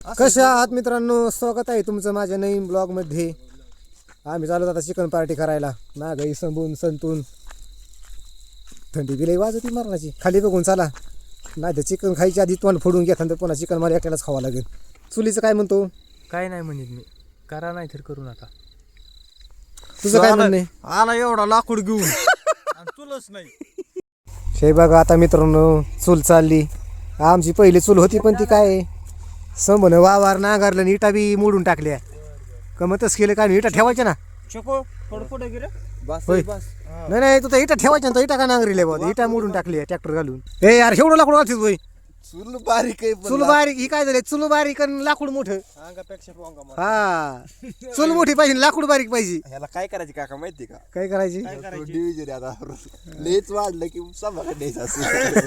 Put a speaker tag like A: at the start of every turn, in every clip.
A: कशा आहात मित्रांनो, स्वागत आहे तुमचं माझ्या नवीन ब्लॉगमध्ये. आम्ही चालू आता चिकन पार्टी करायला. नागई संपून संतून थंडी बिलाई वाजती मरणाची. खाली बघून चाला, नाही तर चिकन खायच्या आधी तोंड फोडून घेता तर पुन्हा चिकन मला एकट्यालाच खावं लागेल. चुलीचं काय म्हणतो?
B: काय नाही म्हणत मी, करा नाही तर करू नका.
A: तुझं काय म्हणणं आहे?
C: आला एवढा लाकूड घेऊन चुलच नाही.
A: हे बघा आता मित्रांनो, चूल चालली. आमची पहिली चूल होती पण ती काय संबन वावर नांगरलं आणि इटा बी मोडून टाकल्या. कमतच केलं काय, इटा ठेवायच्या ना.
C: शको थोडं पुढे गेले बस
A: होय.
C: बस.
A: नाही नाही, तू तर इटा ठेवायच्या ना, इटा का नांगरीले बघ, इटा मोडून टाकली ट्रॅक्टर घालून. ए यार, एवढं लाकूड घालतीस होय?
C: चूल बारीक आहे
A: चूल बारीक ही काय झाले? चूल बारीक आणि लाकूड मोठं.
C: अंगापेक्षा पोंगा.
A: हा, चूल मोठी पाहिजे, लाकूड बारीक पाहिजे.
C: ह्याला काय करायचे काका माहिती का?
A: काय करायची?
C: डिव्हिजन आता लेच वाढलं की सभाकडे द्यायचं असं.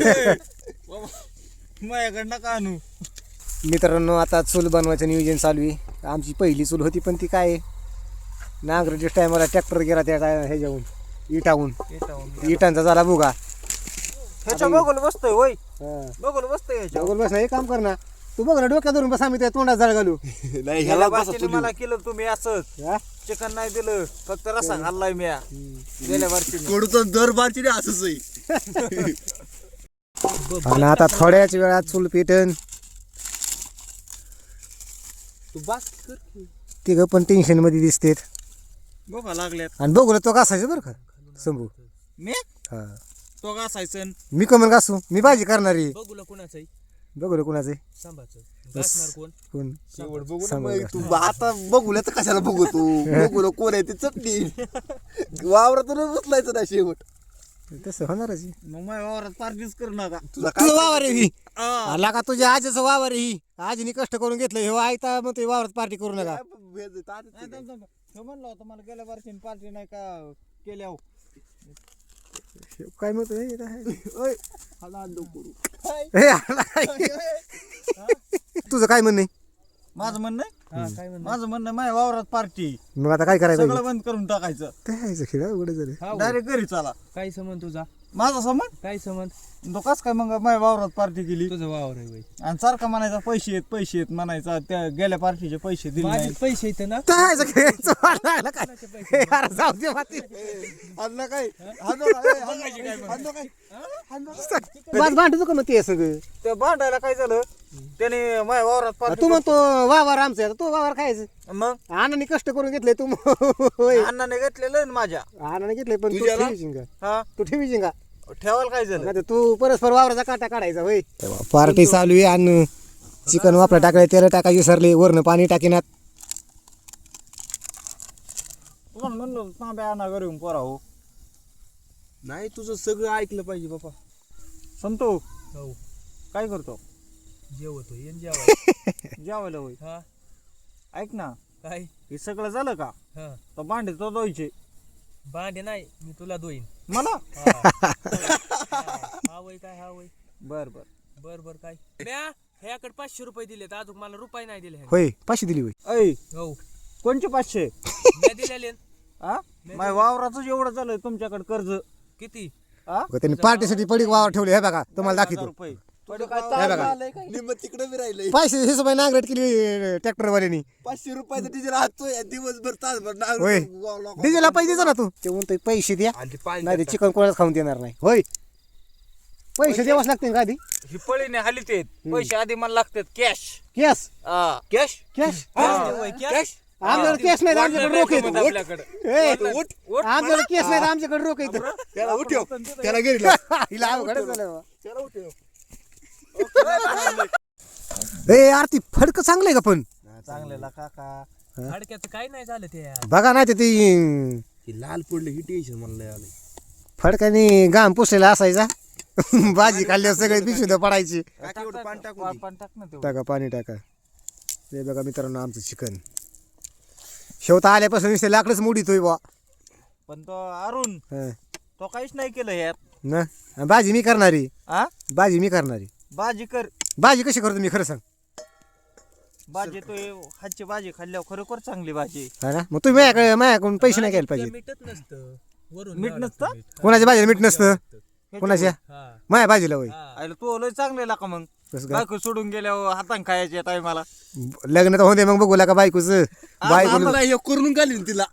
C: माझ्याकडनं का आणू?
A: मित्रांनो, आता चूल बनवायचं नियोजन चालू आहे. आमची पहिली चूल होती पण ती काय नांगरच्या टायमाला ट्रॅक्टर गेला त्या ह्याच्याहून इटाहून. इटांचा झाला बुगा.
C: ह्याच्या बघून बसतोय होय,
A: हा,
C: बघून बसतोय ह्याच्या.
A: बघून बस ना, एक काम कर ना, तू बघ ना, डोक्यात धरून बस, आम्ही त्या तोंडात जाळ घालू.
C: नाही ह्याला बारशीने मला केलं तुम्ही असंच.
A: हा?
C: चिकन नाही दिलं, फक्त रसा खाल्लाय मी गेल्या वर्षी.
D: कडूचं दर बारची असंच आहे.
A: आणि आता थोड्याच वेळात चूल पेटन.
C: तू बस कर.
A: तिघं पण टेन्शन मध्ये दिसतेत.
C: बघा लागल्यात
A: आणि बघू तो घासायचं बरं का संभू.
C: मी
A: हा,
C: तो घासायचं.
A: मी कमन घासू, मी भाजी करणारी.
B: बघूला कुणाचं
A: बघू कुणाचं आहे?
B: सांभाचं
A: बस.
B: घासणार कोण?
A: कोण?
D: शेवट बघू ना
A: सांगा
D: मग
A: का?
D: तू आता बघूया तर कशाला बघू तू बघू कोण आहे ते चटणी वावरातून उचलायचं ना शेवट.
A: तसं होणारच आहे.
C: मग माझ्या वावरात पार्टीच करू नका.
D: तुला काय
A: तुझं वावर आहे ही.
C: आ,
A: आला का तुझ्या आजीचं वावर आहे ही. आजीने कष्ट करून घेतलं हे आयता, मग ते वावरात पार्टी करू नका.
C: नाही, थांब, थांब. हे म्हणलं होतं मला गेल्या वर्षी पार्टी नाही का केल्या हो.
A: काय म्हणतो हे?
D: ओय, हाला अंडो करू.
A: हे आला काय? तुझं काय म्हणणं आहे?
C: माझं म्हणणं आहे?
B: हा, काय म्हणणार?
C: माझं म्हणणं आहे, माझ्या वावरात पार्टी
A: मग आता काय करायचं?
C: सगळं बंद करून टाकायचं.
A: काय खेळ उघड झालं.
B: हा, होय.
C: डायरेक्ट घरी चला.
B: काय समज तुझा?
C: माझा संबंध
B: काय समज?
C: तो कस काय मग माझ्या वावरात पार्टी केली
B: तुझं वावर आहे बाई.
C: आणि सारखा म्हणायचा पैसे येत म्हणायचा. त्या गेल्या पार्टीचे पैसे दिले
B: माझे
C: नाही.
B: पैसे येते ना.
A: काय खेळायचं वाट लागला काय? हे यार, जाऊ दे माती.
D: हाणलं काय हाणलं काय हाणलं काय
A: बस भांडतो का मग ते सगळं?
C: ते भांडायला काय झालं, त्याने माझ्या वावरात
A: तू
C: पार्टी.
A: म्हणतो वावर आमचं आहे, आता तो वावर खायचं.
C: मग
A: आणाने कष्ट करून घेतले तू. होय,
C: अण्णाने घेतलेलं आहे ना माझ्या.
A: आणाने घेतले पण तू
D: तुझ्याला?
A: ठेवीशील का?
C: हा,
A: तू ठेवीशील का?
C: ठेवायला काय झालं.
A: नाही तर तू परस्पर वावराचा काटा काढायचा. होय, पार्टी चालू आहे आणि चिकन वापरा टाकाय, तेल टाकायची सरले, वरनं पाणी टाकीनात.
C: म्हणलं तांब्या आणा घरी येऊन पोरा हो.
D: नाही तुझं सगळं ऐकलं पाहिजे बाबा.
C: संतो
B: हो,
C: काय करतो?
B: जेवतो येन जेवाय.
C: जेवायला होय.
B: हा,
C: ऐक ना,
B: काय?
C: हे सगळं झालं का?
B: हा,
C: तर भांडे तो धुवायचे
B: भांडे नाही, मी तुला दोईन.
C: मला.
B: हा वय काय? हा वय.
C: बर बर.
B: बर बर काय? म्या ह्याकडे 500 रुपये दिलेत, अजून मला रुपये नाही दिले.
A: होय, पाचशे दिली होय.
C: ऐ,
B: हो,
C: कोणचे 500?
B: मी दिलेले.
C: हा, माझ्या वावराचं एवढं झालं तुमच्याकडे कर्ज.
B: किती?
C: हा,
A: बघा, त्यांनी पार्टीसाठी पडीक वावर ठेवले. हे बघा, तुम्हाला
C: 10,000
A: दाखवतो.
C: रुपये. तुझं काय
A: हे
C: ताळ
A: बघा.
C: झालंय काय?
D: निम्म तिकडे बी राहिलंय.
A: पैसे हिशोबाने नांगरट केली ट्रॅक्टरवाल्यांनी.
D: 500 रुपयाचं डिझेल हातोय दिवसभर तासभर
A: होय, डिझेलला पैसे द्यायचा ना तू. ते म्हणतोय पैसे द्या, नाही ते चिकन कोणाला खाऊन देणार नाही. होय, पैसे द्यावाच लागते का आधी?
C: ही पळीने हालीत आहेत. पैसे आधी मला लागतात cash.
A: Cash
C: cash
A: cash
C: cash.
A: आमच्याकडे केस नाही, आमच्याकडे रोख येतो.
C: आपल्याकडे
A: आमच्याकडे केस नाही, आमच्याकडे रोख येतो.
D: त्याला उठव त्याला घरी लाव.
A: हिला अवघडच झालं बा.
D: त्याला उठव.
A: ए आरती फडक चांगलंय का पण?
C: चांगलेला काका.
B: हाडक्याचं काय नाही झालं ते यार.
A: बघा नाही तर ती
D: हे लाल पडलं ही टेन्शन मला लय आलंय.
A: फडकाने घाम पुसलेला असायचा. भाजी खाल्ल्यावर सगळे पिशवी पडायची.
D: काकी एवढं पाणी टाकून दे.
C: पाणी टाक ना तेवढं.
A: टाका पाणी टाका. हे बघा मित्रांनो, आमचं चिकन शेवता आल्यापासून नुसते लाकडच मोडीतोय बा.
C: पण तो अरुण
A: हं.
C: तो काहीच नाही केलं यार.
A: ना भाजी मी करणारी.
C: हा,
A: भाजी मी करणारी.
C: भाजी कर.
A: भाजी कशी करतो मी, खरं सांग.
C: भाजी तो हातची भाजी खाल्ल्यावर खरोखर चांगली भाजी.
A: हा ना, मग तुम्ही माझ्याकडून पैसे नाही घ्यायला पाहिजे.
B: मीठच नसतं वरून.
C: मीठ नसतं?
A: कोणाच्या भाजीला मीठ नसतं? कोणाच्या?
B: हा,
A: माझ्या भाजीला होय.
B: हा.
C: आयला तू लय चांगलेला का मग?
A: कसं काय
C: बायको सोडून गेल्यावर हातान खायचे टायमाला.
A: लग्न तर होते मग बघूला का बायकोचं बायकोला
D: मला हे करून घालीन तिला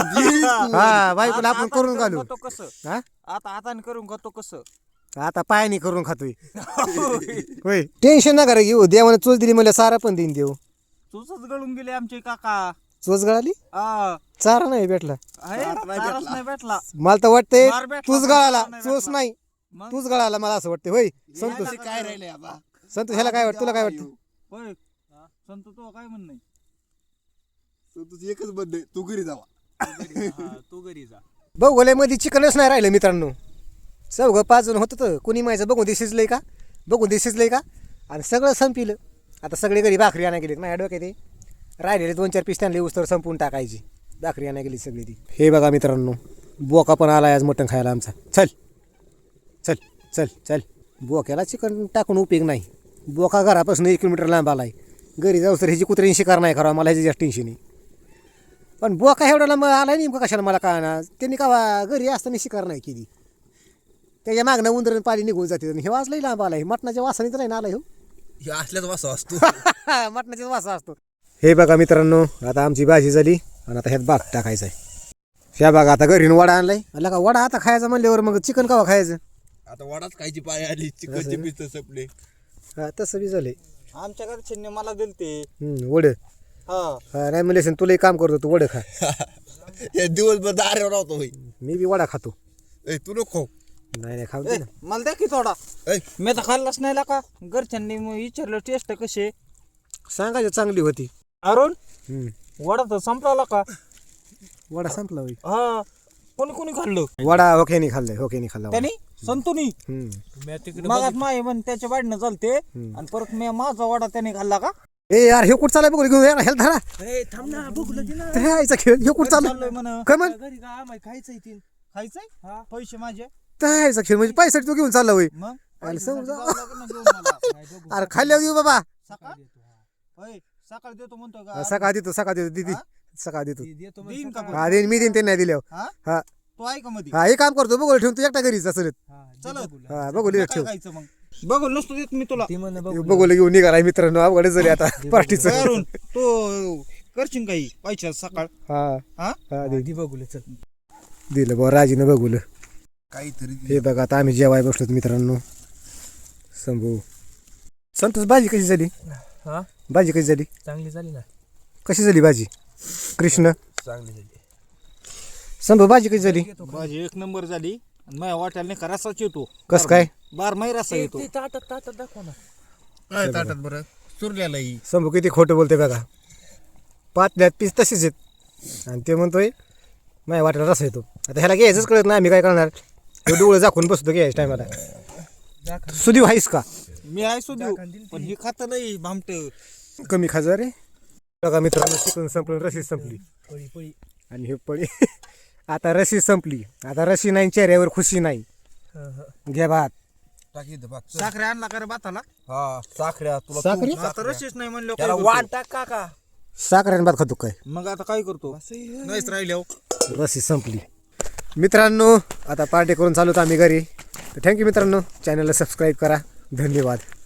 A: हा बायकोला आपण करून घालू
C: खातो कसं
A: हा
C: आता हाताने करून खातो कसं.
A: आता पायाने करून खातोय होय टेन्शन नका रे घेऊ देवाने चोच दिली मला सारा पण देईन देऊ
C: चोचच गळून गेले आमचे काका.
A: चोच गळाली
C: हा
A: चारा नाही भेटला
C: आहे, चाराच नाही भेटला.
A: मला तर वाटतंय
C: मार भेटला,
A: तूच
C: पण
A: गळाला
C: चारा नाही
A: चोच
C: भेटला.
A: नाही
C: मग?
A: तूच गळाला मला असं वाटतं होय संतोष
D: काय राहिलंय आता
A: संतोष ह्याला काय वाटतं तुला काय वाटतं
C: होय संत तो काय म्हणणं
D: तुझं एकच बंद तू घरी जावा
B: तू घरी जा.
A: बघोल्यामध्ये चिकनच नाही राहिलं मित्रांनो चौघं 5 जण होतं तर कोणी माहिती बघून ते शिजलंय का बघून ते शिजलंय का आणि सगळं संपिलं आता सगळे घरी भाकरी आणा गेलीत माझ्या डोक्यात ते राहिलेले 2-4 पीस त्यांना उस्तर संपून टाकायची भाकरी आणा गेली सगळी ती हे बघा मित्रांनो बोका पण आलाय आज मटण खायला आमचा चल चल चल चल बोक्याला चिकन टाकून उपयोग नाही बोका घरापासून 1 किलोमीटर लांब आलाय घरी जाऊ तर ह्याची कुत्र्याची शिकार नाही करावं मला ह्याची जास्त टेन्शन आहे पण बोका एवढा लांब आलाय नेमकं कशाला मला कळणार त्यांनी का घरी असताना शिकार नाही केली त्याच्या मागणं उंदर पाली निघून जाते हे वाजलंही लांब आलाय मटणाच्या वासाने तर नाही ना आलाय हो
D: हे असल्याच वासा असतो
A: मटणाचा वासा असतो हे बघा मित्रांनो आता आमची भाजी झाली आणि आता ह्यात भात टाकायचा आहे ह्या बघा आता घरी वडा आणलाय आला का वडा आता खायचा म्हणल्यावर मग चिकन कवा खायचं
D: आता वडाच खायची पाय आली चिकनचे पीस सपले
A: हा तसं बी झालंय
C: आमच्या घरच्यांनी मला दिलते.
A: वड
C: हा
A: नाही म्हणले तुलाही काम करतो तू वड खा
D: हे दिवसभर दाऱ्यावर राहतो होय
A: मी बी वडा खातो
D: ए तू नको
A: नाही खाऊ
C: ए,
A: दे ना
C: मला द्या की थोडा.
D: ए
C: मी तर खाल्लाच नाही का घरच्यांनी मग विचारलं टेस्ट कशी
A: सांगायचं चांगली होती
C: अरुण
A: हम्म.
C: वडा तर संपला का.
A: वडा संपला होई
C: हा कोणी कोणी खाल्लं
A: वडा होकेनी खाल्लाय होकेनी खाल्ला वडा.
C: त्याने संतुनी
A: हम्म.
B: मी तिकडे
C: मागात माय म्हण त्याच्या वाढणं चालते आणि परत मी माझा वडा त्याने खाल्ला का.
A: ए यार हे कुठं चालाय बघ घेऊन यार हेल्थ धरा
B: ए, थांब ना बघू दे ना.
A: ते यायचा खेळ हे कुठं
C: चाललोय
A: चालू
C: म्हण
A: काय म्हण
B: घरी का आम्हाला खायचंय तीन.
C: खायचंय
B: हा.
C: पैसे माझे
A: त्या यायचा खेळ म्हणजे पैसे तू घेऊन चालला होय
C: मग
A: अरे समजा
C: जावं लागेल ना घेऊन मला.
B: नाही, बघू.
A: अरे खाल्ल्यावर देऊ बाबा
C: सकाळ होय सकाळ देतो म्हणतो का.
A: सकाळ देतो दीदी
C: हा?
A: सकाळ देतो
B: ती देतो
C: देईन
B: म्हणजे
C: का
B: सकाळी.
A: हा देईन मी देईन ते नाही दिल्यावर
C: हा
A: हा
C: तो आहे का मध्ये
A: हा हे काम करतो बघू ठेवून तू एकटा घरीच असं
B: हा, दे
C: चला.
B: बघूला.
A: हा बघू
C: काय
A: ठेव
C: खायचं मग बघू नसतो देत मी तुला.
B: ती म्हणे बघू.
A: बघू घेऊन निघाला मित्रांनो अवघड झाली आता पार्टीचं
C: अरुण तो करशील काही पैसे सकाळ.
A: हा
C: हा
A: हा दे
B: ती बघूले चल.
A: दिलं बरं राजीनं बघूलं
D: काहीतरी
A: हे बघा आता आम्ही जेवाय बसलोत मित्रांनो संभू संतोष भाजी कशी झाली
B: हा
A: भाजी कशी झाली
B: चांगली झाली ना.
A: कशी झाली भाजी कृष्ण
B: चांगली झाली.
A: संभू भाजी कशी झाली
C: भाजी 1 नंबर झाली आणि माझ्या वाट्याला नाही का रसाच येतो.
A: कस काय
C: बारमाही रसा येतो.
B: ते ताटात दाखव ना.
D: काय ताटात बरं चुरल्यालाही
A: संभू किती खोटं बोलते बघा पातल्यात पीस तसेच आहेत आणि ते म्हणतोय माझ्या वाट्याला रस येतो आता ह्याला घ्यायचंच कळत नाही आम्ही काय करणार हे डोळं झाकून बसतो घ्यायच्या टायमाला सुदीव आहेस का
C: मी आहे सुदेव पण हे खात नाही भामट.
A: कमी खाजा रे बघा मित्रांनो चिकन संपलं रशी संपली
B: पळी पळी.
A: आणि हे पळी आता रशी संपली आता रशी नाही चेहऱ्यावर खुशी नाही
B: हा, हा.
A: घ्या भात
D: टाकी इथं भात
C: साखरे आणला का रे भाताला.
D: हा साखऱ्या तुला
A: साखरी
C: आता रशीच नाही म्हणलं
D: त्याला
C: काय
D: वाट टाक काका
A: साखरेने भात खातो काय
C: करतो? मग आता काय करतो नाहीच राहिले.
A: रशी संपली मित्रांनो आता पार्टी करून चालू आम्ही घरी तर थँक्यू मित्रांनो चॅनलला सबस्क्राईब करा धन्यवाद.